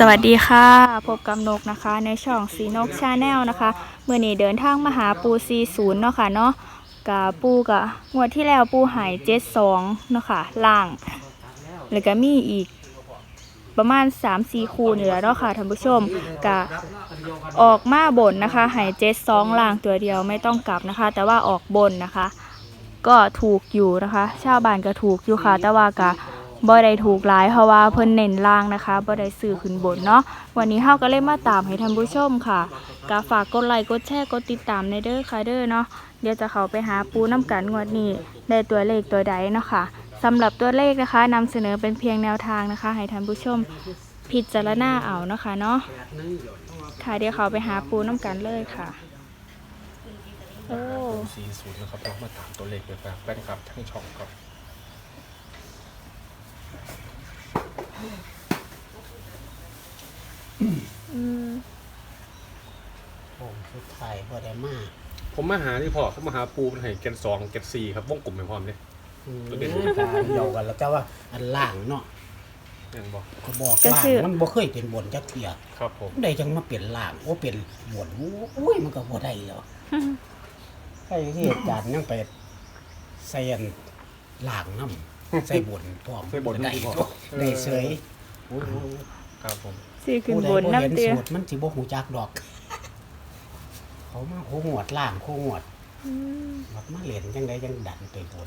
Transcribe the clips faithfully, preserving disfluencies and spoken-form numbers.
วัสดีค่ะพบกับนกนะคะในช่องสีนกชาแนลนะคะเมื่อนี้เดินทางมาหาปูซีศูนย์เนาะค่ะเนาะกับปูกับงวดที่แล้วปูหายเจ็ดสองเนาะค่ะล่างแล้วก็มีอีกประมาณ สามสี่ คู่นี่แหละเนาะค่ะท่านผู้ชมก็ออกมาบนนะคะหายเจ็ดสองล่างตัวเดียวไม่ต้องกลับนะคะ แต่ว่าออกบนนะคะ ก็ถูกอยู่นะคะชาวบ้านก็ถูกอยู่ค่ะแต่ว่าก็บ่ได้ถูกหลายเพราะว่าเพิ่นเน้นล่างนะคะบ่ได้ซื้อขึ้นบนเนาะวันนี้เฮาก็เลยมาตามให้ท่านผู้ชมค่ะก็ฝากกดไลค์กดแชร์กดติดตามในเด้อค่ะเด้อเนาะเดี๋ยวจะเข้าไปหาปูน้ำกันงวดนี้ได้ตัวเลขตัวใดเนาะค่ะสำหรับตัวเลขนะคะนำเสนอเป็นเพียงแนวทางนะคะให้ท่านผู้ชมพิจารณาเอาเนาะค่ะเนาะค่ะเดี๋ยวเข้าไปหาปูน้ำกันเลยค่ะโอ้สี่ศูนย์นะครับเรามาตามตัวเลขเลยครับแฟนคลับทั้งช่องครับอืมผมสุดท้ายบ่ได้มาผมมาหาที่พ่อเขามาหาปูเป็นไห่เกนสองเกนสี่ครับวงกลมเป็นพร้อมเลยอืมตัวเด่นการเดียวกันแล้วแต่ว่าอันล่างเนาะยังบอกเขาบอกก็ล่างคือมันบ่เคยเป็นบนจักเที่ยครับผมได้จังมาเปลี่ยนล่างโอ้เป็นบนโอ้ยมันก็บ่ได้แล้วใช่ที่อาจารย์ยังไปใส่อันล่างน้ำใส่บนพร้อมใส่บนได้ที่พ่อได้เสยโอ้โหครับผมซื้อขึ้นผู้ใดบนบ่เห็นน้ำเตี้ยสูตรมันสิบ่ฮู้จักดอก เขามาโคงวดล่างโคงวดอืมแบบมาเล่นจังไดจังดันไปบน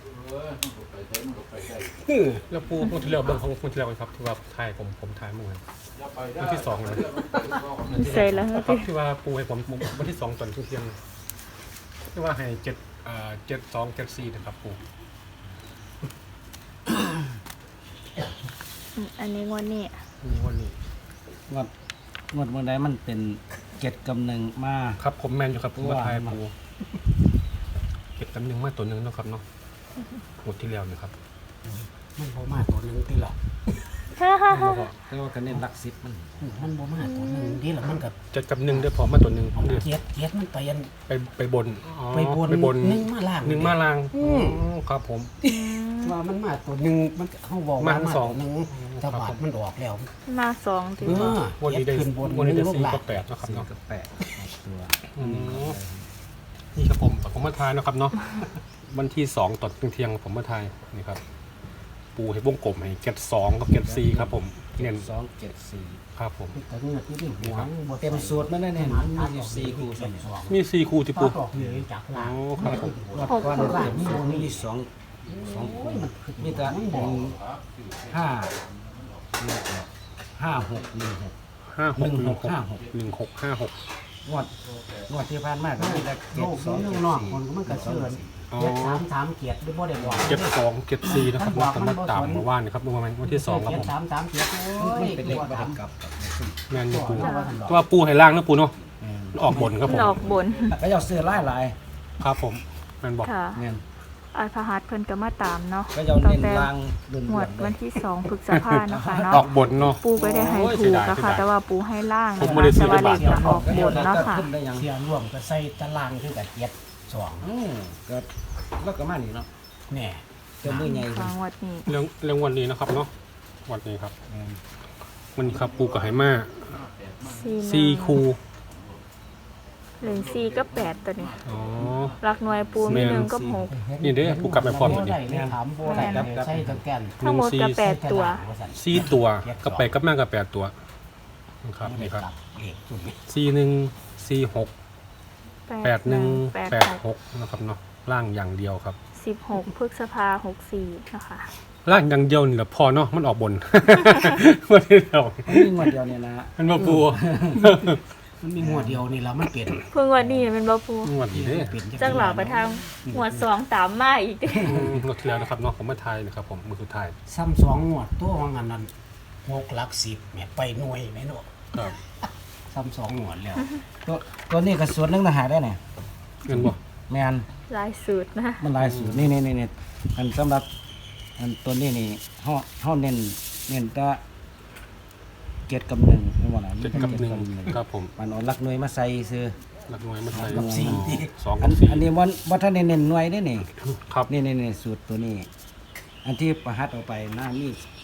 แล้วปูคนที่เราเบิ่งของคนที่เราครับที่ว่าถ่ายผมผมถ่ายเมื่อวานวันที่สองเลยใส่แล้วครัเตี้บยที่ว่าปูให้ผมผมวันที่สองตอนเที่ยงที่ว่าให้เจ็ดอ่าเจ็ดสองเจ็ดสี่นะครับปูอืมอันนี้งวดนี้มีวันนี้งวดงวดเมื่อใดมันเป็นเจ็ดกำหนึ่งมาครับผมแมนอยู่ครับผมมาถ่ายว่าปูเก็บตำหนึ่งมาตัวหนึ่งเนาะครับเนาะหมดที่แล้วนะครับมันบ่มาตัวหนึงติล่ะแต่ว่าคะแนนหลักสิบมันมันบ่มาตัวหนึงติล่ะมันก็จะกับหนึ่งได้พอมาตัวหนึ่งเดือเกียดเกียดมันไปอันไปไปบนอ๋อไปบนไปบนหนึ่งมาล่างหนึ่งมาล่างอืมอ๋อครับผมว่ามันมาตัวหนึงมันเฮาบอกมาว่ามาสองตัวหนึงแต่บาดมันออกแล้วมาสองถึงเออวันนี้ได้เกียดขึ้นบนวันนี้ได้หงลสี่งล่างกับแปดเนาะครับสี่เนาะกับแปดตัวอืมนี่ครับผมผมมาทายนะครับเนาะวันที่สองตอนเที่ยงๆผมมาทายนี่ครับ ปูให้วงกลมให้เก็ดสองกับเก็ดสี่ครับผมเน้นสองเจ็ดสี่ครับผมแต่นี่ที่ที่หัวบ่เต็มสูตรมันได้เนี่ยมันมีอยู่สี่คู่สใช่องไหมสองมีสี่คู่ที่ปปูออกเหนือจากอ๋ล่างอครับผมงวดก่อนล่างมีมีสองสองคู่มีแต่หนึ่งห้าห้าหกหนึ่งหกห้าหกหนึ่งหกห้าหกหนึ่งหกห้าหกงวดงวดที่ผ่านมาก็มีแต่โลเจ็ดกสองนี้เจ็ดนอกสี่คนก็มันก็เชิญอ๋อเกียดสามสามเกียดหรือบ่ได้บอกเก็ดสองเก็ดสี่นะครับเนาะผมมาตามเมื่อวานนะครับเมื่อวานวันที่สองครับเกียผดมสามสามเกียดมันเป็นเลขประกับกับแมนอยู่ปูแต่ว่าปูให้ล่างนะปูเนาะมันออกบนครับผมดอกบนก็จะเสื้อลายลายครับผมแมนบอกค่ะเงี้ยอัลพหัสเพิ่นก็มาตามเนาะก็จะตั้งเน้นแต่ลางดุนหมวดวันที่สองพฤษภาเนาะค่ะเนาะออกบนเนาะปูก็ได้ให้โอ้ยถูเสียกดายนะเสียคะดายแต่ว่าปูให้ล่างผนะมไม่คะได้ซื้แต่อว่าในเลบาขทจะออกบนเนาะค่ะขึ้นได้ยังเสียร่วมก็ใส่ตารางคือกับเกียดสองอืมก็แล้วก็มานี่เนาะแน่เจ้ามือใหญ่ทางวัดนี้เรื่องเรื่องวันนี้นะครับเนาะวันนี้ครับแม่นวันนี้ครับปูกับไหมาสี่สี่คูเหรียญสี่ก็แปดตัวนี้อ๋อรักหน่วยปูมีหนึ่งก็หกนี่เด้ปูกลับไปพร้อมกันดิได้เลยถามโบได้ใส่ตะแกนทั้งหมดก็แปดตัวสี่ตัวกับไปกับแม่กับแปดตัวนะครับนี่ครับเอกจุดนี้สี่หนึ่งสี่หกแปดหนึ่งแปดแปดหหกกนะครับเนาะล่างอย่างเดียวครับสิบหกพฤษภาหกสี่นะคะล่างอย่างเดียวนี่แหละพอเนาะมันออกบน วันนี้เรามันมีงวดเดียวเนี่ยนะมันมาปูมันมีหัวเดียวนี่แล้วมันเปลี่ยนเพิ่งวันนี้เป็นบ่ปูงวดนี้เด้เปลี่ยนจักหล่อไปทางหมวดสองตามมาอีกเด้อืมงวดที่แล้วนะครับเนาะผมมาทายนะครับผมมือสุดท้ายซ้ำสองหัวตัวของอันนั้นหกหลักสิบเนี่ยไปหน่วยไหมเนาะครับซ้ำสองหัวแล้วตัวตัวนี้ก็สวนนึงทหารได้เนี่ยเงินบ่แมนลายสูตรนะมันหลายสูตรนี่นี่นี่นี่อันสำหรับอันตัวนี้นี่เฮาเฮาเน้นเน้นแตะเกียรติกับหนึ่งไม่หมดนะเจ็ดกับหนึ่งครับผมมันเอาหลักหน่วยมาใส่ซื้อหลักหน่วยมาใส่กับสี่สองอักัน บสี่อันนี้วันวัฒนเน้นหน่วยได้นี่ครับนี่นี่นี่สูตรตัวนี้ อันที่ประหัดออกไปหน้ามีแปด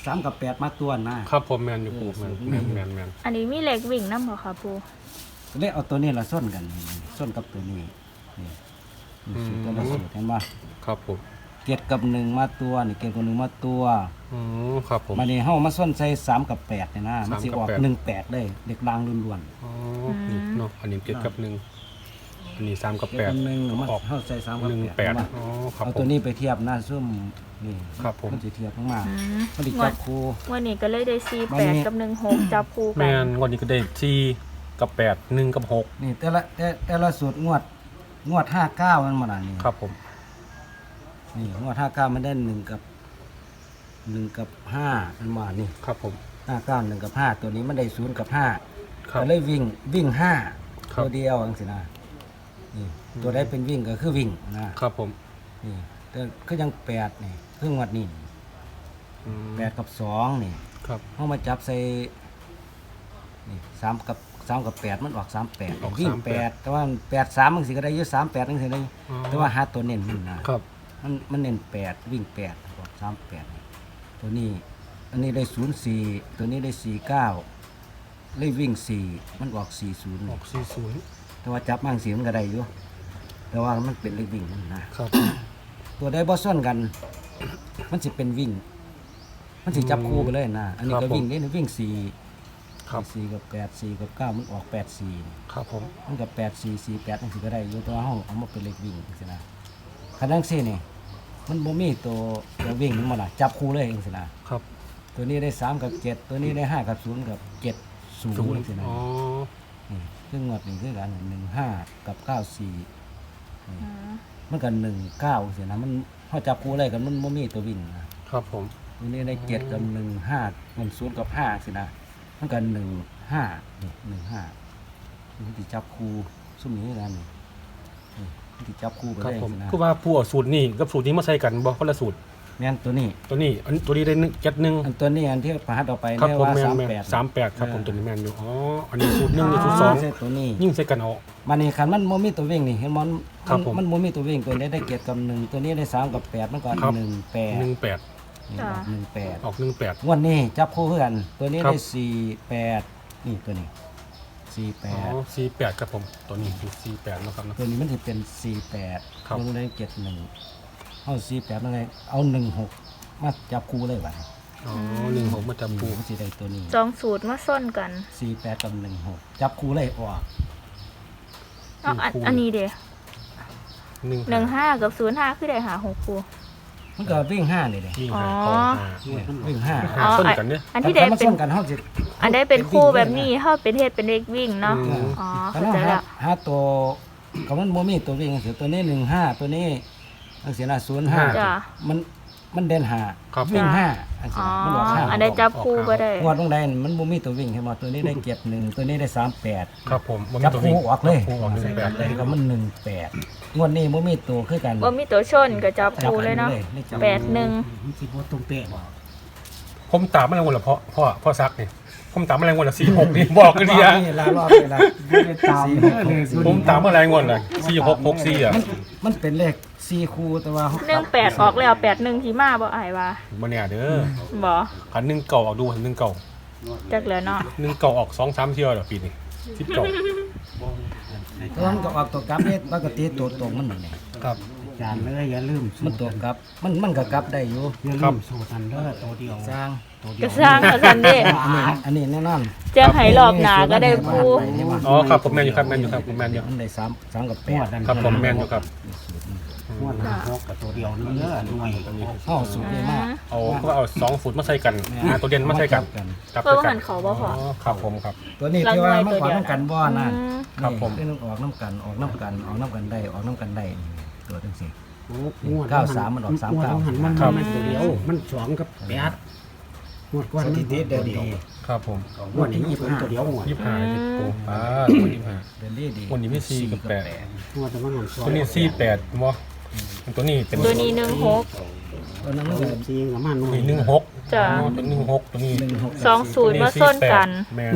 สามกับแปดมาตัวนะครับผมแมนอยู่ปูแมนแมนแมนแมนอันนี้มีเหล็กวิ่งน้ำบ่ค่ะปูเลยเอาตัวนี้ละส้นกันส้นกับตัวนี้นี่นี่สูตรแต่ละสูตรเห็นป่ะครับผมเกียรกับหนึ่งมาตัวนี่เกียรกับหนึ่งมาตัวอืมครับผมมาเนี่เฮามาส้นใส่สามกับแปดเนี่ยนะมันสิออกสามกับแปดหนึ่งแปดเลยเด็กลางล้วนอ๋อนี่เนาะอันนี้เจ็ดกับหนึ่งอันนี้สามกับๆเกีแปยรดกับหนึ่งมาออกเฮาใส่สามกับหนึ่งแปแปดดเห็นป่ะอ๋อครับเอาผตัวมนี้ไปเทียบหน้าซุ่มนี่ครับผมมันสิเทียบข้างมาอืมมันสิงวจัดบคู่วันนี้ก็เลยได้สี่วันแปนี้ดกับหนึ่งหกจับคู่แมกันนวันนี้ก็ได้สี่กับแปดหนึ่งกับหกนี่แต่ละแต่แต่ละสูตรงวดงวดห้าเก้ามันมาน่ะนี่ครับผมนี่งวดห้าเก้ามันได้หนึ่งกับหนึ่งกับห้ามันมานี่ครับผมห้าเก้าหนึ่งกับห้าตัวนี้มันได้ศูนย์กับห้าครับก็เลยวิ่งวิ่งห้าครับตัวเดียวจังสินะนี่ตัวได้เป็นวิ่งก็คือวิ่งนะครับผมนี่แต่คือยังแปดนี่คืองวดนี้อืมแปดกับสองนี่ครับเขามาจับใส่นี่สามกับสามกับแปดมันออกสามแปดออกวิ่งสามแปแปดดแต่ว่าแปดสามมันสิก็ได้อยี่สามแปดนั่นสิได้อ๋อแต่ว่าหาตัวเน้นมันนะครับ มันมันเน้นแปดวิ่งแปดออกสามแปดตัวนี้ อันนี้ได้ศูนย์สี่ตัวนี้ได้สี่เก้าเลยวิ่งสี่มันออกสี่ศูนย์ออกสี่ศูนย์แต่ว่าจับมั่งสีมันก็ได้อยู่แต่ว่ามันเป็นเลขวิ่งมันนะครับผมตัวได้บอส่วนกัน มันสิเป็นวิ่ง มันสิจับคู่ไปเลยนะอันนี้ก็วิ่งนี่นะวิ่งสี่ครับสี่กับแปดสี่กับเก้ามันออกแปดสี่ครับผมมันกับแปดสี่สี่แปดนั่นสิก็ได้อยู่แตัวาห้องเอามาเป็นเลขวิ่งสินะคันนั้นสินี่มันบ่มีตัวตัววิ่งมันมาละจับคู่เลยเองสินะครับ ตัวนี้ได้สามกับเจ็ดตัวนี้ได้ห้ากับศูนย์กับเจ็ดศูนศูนย์ย์สินะอ๋อนี่ซึ่งงวดนี้คือกันหนึ่งห้ากับเก้าสี่อืมมันกันหนึ่งเก้าสินะมันเขาจับคู่เลยกันมันบ่มีตัววิ่งนะครับผมตัวนี้ได้เจ็ดกับหนึ่งห้ามันศูนย์กับห้าสินะมันกันหนึ่งห้านี่หนึ่งห้ามันติจับคู่ซุ่มนี้คือกันนี่นี่มันติจับคู่ไปครับเลยผมสินะคือว่าผู้เอาสูตรนี่กับสูตรนี้มาใส่กันบ่คนละสูตรแม่นตัวนี้ตัวนี้อันตัวนี้ได้หนึ่งเจ็ดหนึ่งอันตัวนี้อันที่ประหัดออกไปครับเนี่ยผมว่าแมนสามแมนแปดสามแปดครับผมตัวนี้แมนอยู่อ๋ออันนี้สูตรหนึ่งนี่สูตรสองใช่ตัวนี้ยิ่งใส่กันเอามันนี่คันมันโมมีตัววิ่งนี่เห็นมันครับผมมันโมมีตัววิ่งตัวนี้ได้เกียรติกับหนึ่งตัวนี้ได้สามกับแปดมันก็ครับหนึ่งแปดหนึ่งแปดนี่ออกหนึ่งแปดออกหนึ่งแปดงวันนี้จับคู่เพื่อน ตัวนี้ครับได้สี่แปดนี่ตัวนี้สี่แปอ๋อดสี่แปดครับผมตัวนี้คือสี่แปดนะครับนะตัวนี้มันจะเป็นสี่แปดครับมันได้เจ็ดหนึ่งเอาสี่แปดยังไงเอาหนึ่งหกมาจับคู่เลยว่ะอ๋อหนึ่งหกมาจับปูมันจะได้ตัวนี้สองสูตรมาส้นกันสี่แปดกับหนึ่งหกจับคู่เลยออกเอ้าอันอันนี้เด้หนึ่งหนึ่งห้ากับศูนย์ห้าคือได้หาหกปูมันก็วิ่งห้านี่เลยยิ่งอ๋อหาเข้าหาวิ่งห้าหาส้นกันเนี่ยอันที่ได้ถ้ามัเป็นส้นกันเขาจะอันได้เป็นคู่แบบนี้เฮาเป็นเฮ็ดเป็นเลขวิ่งเนาะอืมอ๋อถ้าเข้าเราใจหาละหาตัวกับมันโมมีตัววิ่งเสียตัวนี้หนึ่งห้าตัวนี้อันเสียนะศูนย์ห้าจ้ะมันมันเด่นหาครับวิ่งจ้ะห้าอันเสีอ๋ยอนะมันออกห้าอันได้จับคู่ก็ได้งวดตรงใดมันโมมีตัววิ่งใช่ไหมตัวนี้ได้เจ็ดหนึ่งตัวนี้ได้สามแปดครับผมบ่มีจับตัววิ่คู่งออกเลยจับคู่ออกหนึ่งแปดเลยก็มันหนึ่งแปดงวดนี้โมมีตัวคือกันว่ามีตัวชนก็จับจับคู่เลยเนาะได้จับแปดหนึ่งมันสิบ่ตรงเป๊ะบ่ผมตามมาแรงวันละเพราะพ่อพ่อซักนี่ผมตามมาแรงวันละสี่หกนี่บอกกันดีอะนี่ลารอบเวลาไม่ได้ตามเด้อเลยสุดผมตามมาแรงวันละสี่หกหกสี่อ่ะมันมันเป็นเลขสี่คู่แต่ว่าหนึ่งแปดออกแล้วแปดหนึ่งที่มาบ่อายว่ามาเนี่ยเด้อบ่ขันหนึ่งเก่าออกดูขันหนึ่งเก่าจักแล้วเนาะหนึ่งเก่าออกสองสามเที่ยวเหรอปีนี้สิบเก่าตอนนั้นก็ออกตัวกลับเนี่ยปกติตัวตรงมันนี่ครับอาจารย์เลยอย่าลืมสูมันตรตัวกลับ มันมันก็กลับได้อยู่อย่าครัลืบมสูตรอันเด้อตัวเดียวสร้างตัวเดีก็ยวสร้างเขาซั่นเด้อันนี้อันนี้แน่นอนจะให้รอบหน้าก็ได้คู่อ๋อครับผมแมนอยู่ครับแมนอยู่ครับผมแมนอยู่มันได้สามสามกับแปงวดดนั้นครับผมแมนอยู่ครับงวดนั้นหกกับตัวเดียวนึงเด้อหน่วยเข้าสูตรนี้มากเอาก็เอาสองฟุตมาใส่กันหาตัวเด่นมาใส่กันจับเพิ่ใส่นกัหันเขาบ่พออ๋อครับผมครับตัวนี้ที่ว่ามันขวาน้ำกันบ่อนะอืมครับผมนี่ออกน้ำกันออกน้ำกันออกน้ำกันได้ออกน้ำกันได้ตัวทั้งสี่โอ้งวดเก้าสามมันออกสามเก้างวดหันมันครับมันตัวเดียว มันสองกับแปดงวดก่อนสมันถิติเดินดีครับผมงวดนี้ยี่สิบตัวเดียวงวดยี่สิบห้าสิบโอ้อ่ายี่สิบห้าเดินดีดีวันนี้ไม่สี่กับแปดงวดแต่ว่าหันสองตัวนี้สี่แปดมั้งตัวนี้เป็นตัวนี้หนึ่งหกตัวนั้นมันก็สี่กับมันหน่วยนี่หนึ่งหกจ้ะตัวหนึ่งหกตัวนี้หนึ่งหกสองศูนย์มาส้นกันแมน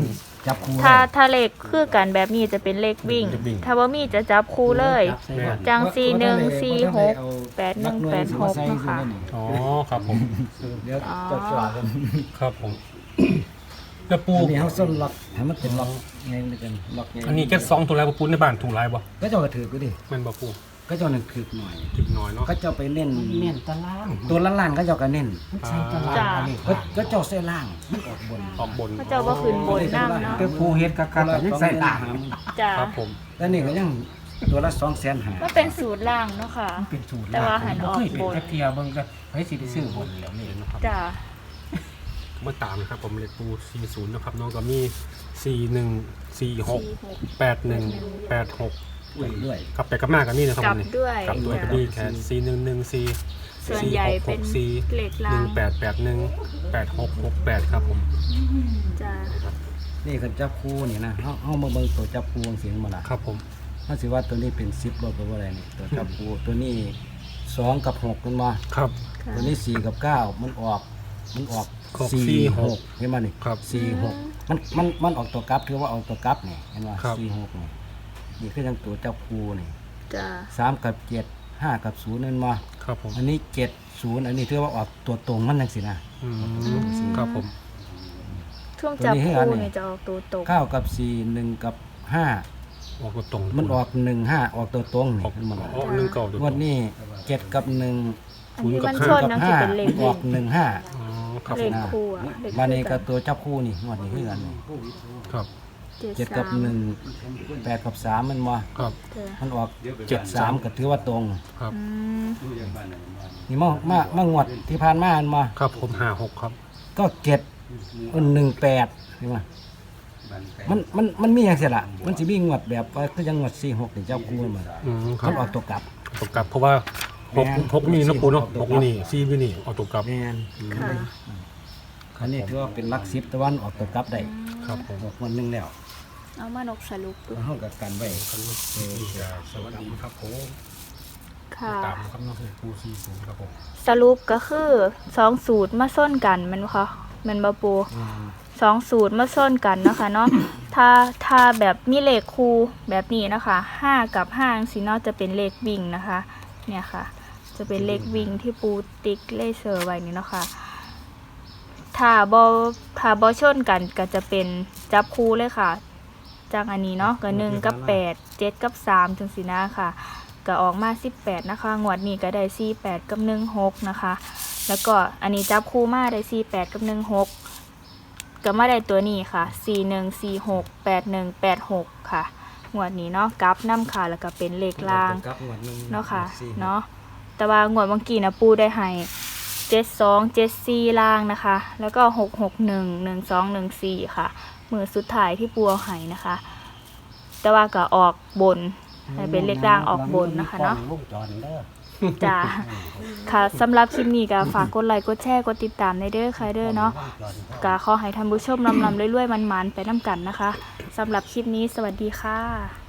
จับคู่ถ้าได้ถ้าเลขคือกันแบบนี้จะเป็นเลขวิ่งเลขวิ่งถ้าว่ามีจะจับคู่เลยจับใส่กันจังว่าสี่หนึ่งว่าสี่ว่าหกเอาแปดหนึ่งลัแปดหกสิมาใส่เนาะค่ะอยู่ในนี่อ๋อครับผมเดี๋ยวอ๋อจอดจอดกันครับผมแล้วปูอันนี้เขาส้นล็อกให้มันเป็นล็อกไงด้วยกันล็อกไงอันนี้แก๊สสองถูกแล้วปูในบ้านถูกไรบ่ก็เจะกระถือกูดิแม่นบ่ปูก็เจะหนึ่งถือหน่อยถึงน้อยเนาะก็เจะไปเน้นเน้นตารางตัวล้านๆก็เจะก็เน้นมันใส่ตารางจ้ะอันนี้ก็ก็เจ้าเส้นล่างมันออกบนออกบนพระเจ้าว่าขึ้นบนน้ำเนาะเป็นผู้เฮ็ดกับการยังใส่ตารางจ้าครับผมแล้วนี่ก็ยังตัวละสองแสนหาก็เป็นสูตรล่างเนาะค่ะเป็นสูตรแต่ว่าหันออกเคยเป็นบนจักเทียเบิ่งก็เฮ้ยสิได้ซื้อบนแล้วนี่นะครับจ้าเมื่อตามนะครับผมเลขปูสี่สิบนะครับน้องก็มีสี่หนึ่งสี่หกแปดหนึ่งแปดหกด้วยกลับไปกลับมากับนี่นะครับกลับผมนี่ด้วยกลับด้วยกับนี่แค่สี่หนึ่งหนึ่งสี่ส่วนใหญ่เป็นสี่เลขหล่านึ่งงแปดแปดหนึ่งแปดหกหกแปดครับผมจ้านี่คือจับคู่นี่นะเอาเอามาเบิ่งตัวจับคู่เสียงมาละครับผมถ้าสิว่าตัวนี้เป็นสิบบ่ตัวอะไรนี่ตัวจับคู่ตัวนี้สองกับหกมันมาครับค่ะตัวนี้สี่กับเก้ามันออกมันออกออกสี่สี่หหกกเห็นไหมนี่ครับสี่หกมันมันมันออกตัวกลับถือว่าออกตัวกลับนี่เห็นไหมครับสี่หกนี่นี่คือยังตัวจับคู่นี่จ้าสามกับเจ็ดห้ากับศูนย์นั่นมาครับผมอันนี้เจ็ดศูนย์อันนี้ถือว่าออกตัวตรงมันยังสินะอืมครับผมช่วงจับตัวนี้ให้อันคู่นี้เนี่ยจะออกตัวตรงเก้ากับสี่หนึ่งกับห้าออกตัวตรงมันออกหนึ่งห้าออกตัวตรงนี่ออกมันออกหนึ่งเก่าตัวตรงงวดนี้เจ็ดกับหนึ่งอันนี้มันศูชนย์นกับนังห้าจะเป็นเลขออกหนึ่งห้าอ๋อครับเลผมขคู่อะเลขวันนี้คู่กับตัวจับคู่นี่งวดนี้คือกันนี่ครับเจ็ดกับหนึ่งแปดกับสามมันมาครับจ้ะมันออกเจ็ดสามก็ถือว่าตรงครับอืมนี่มามามางวดที่ผ่านมามันมาครับผมห้าหกครับก็เจ็ดหนึ่งแปดเห็นไหมมันมันมันมีอย่างเสียละมันจะมีงวดแบบว่าคือยังงวดสี่หกนี่เจ้าคู่มันมาอืมครัมับนออกตัวกลับตกกลับเพราะว่าหกแม่นหกนี่นะปูเนาะตหกกกลับนี่ซีวินี่เอาตกกลับแมนค่ะอันนี้ถือว่าเป็นหลักสิบตะวันออกตัวกลับได้ครับผมออกวันหนึงแล้วเอามานกสรุปดูห้องกับกันไว้สวัสดีครับผมค่ะตามครับน้องปูซีศูนย์ครับผมสรุปก็คือสองสูตรมาส้นกันแมันบ่คะแมันบาปูสองสูตรมาส้นกันเนาะคะเนาะถ้าถ้าแบบมีเลขคู่แบบนี้นะคะห้ากับห้าสิเนาะจะเป็นเลขวิ่งนะคะ เนี่ยค่ะ จะเป็นเลขวิ่งที่ปูติ๊กเลเซอร์ไว้นี่เนาะค่ะถ้าบอถ้าบอชนกันก็จะเป็นจับคู่เลยค่ะ จากอันนี้เนาะก็หนึ่งกับแปดเจ็ดกับสามจังสีนะค่ะก็ออกมาสิบแปดนะคะงวดนี้ก็ได้สี่แปดกับหนึ่งหกนะคะ แล้วก็อันนี้จับคู่มาได้สี่แปดกับหนึ่งหกก็มาได้ตัวนี้ค่ะสี่หนึ่งสี่หกแปดหนึ่งแปดหกค่ะงวดนี้เนาะกราฟน้ำค่ะแล้วก็เป็นเลขล่างกลับงวดหนึ่งเนาะค่ะสี่เนาะแต่ว่างวดเมื่อกี้นะปูได้ให้เจ็ดสองเจ็ดสี่ล่างนะคะ แล้วก็หกหกหนึ่งหนึ่งสองหนึ่งสี่ค่ะมือสุดท้ายที่ปูเอาให้นะคะ แต่ว่าก็ออกบนให้เป็นเลขล่างออกบนนะคะเนาะวงจรเด้อจ้าค่ะสำหรับคลิปนี้ก็ฝากกดไลค์กดแชร์กดติดตามในเด้อค่ะเด้อเนาะก็ขอให้ท่านผู้ชมลำลำเรื่อยๆมันๆไปน้ำกันนะคะสำหรับคลิปนี้สวัสดีค่ะ